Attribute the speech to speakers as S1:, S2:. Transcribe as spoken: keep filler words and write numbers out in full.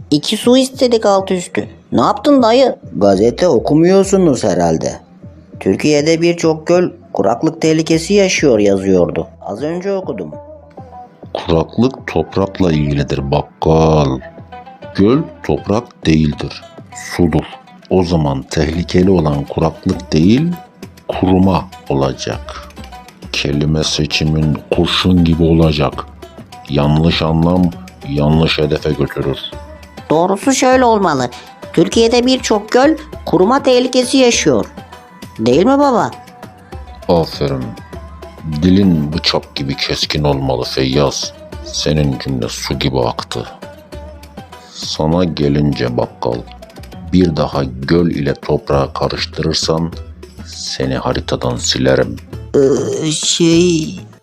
S1: İki su istedik alt üstü. Ne yaptın dayı?
S2: Gazete okumuyorsunuz herhalde. Türkiye'de birçok göl kuraklık tehlikesi yaşıyor yazıyordu. Az önce okudum.
S3: Kuraklık toprakla ilgilidir bakkal. Göl toprak değildir, sudur. O zaman tehlikeli olan kuraklık değil, kuruma olacak. Kelime seçimin kurşun gibi olacak. Yanlış anlam yanlış hedefe götürür.
S1: Doğrusu şöyle olmalı. Türkiye'de birçok göl kuruma tehlikesi yaşıyor. Değil mi baba?
S3: Aferin. Dilin bıçak gibi keskin olmalı Feyyaz. Senin cümle su gibi aktı. Sana gelince bakkal, bir daha göl ile toprağı karıştırırsan seni haritadan silerim.
S1: Ee, şey...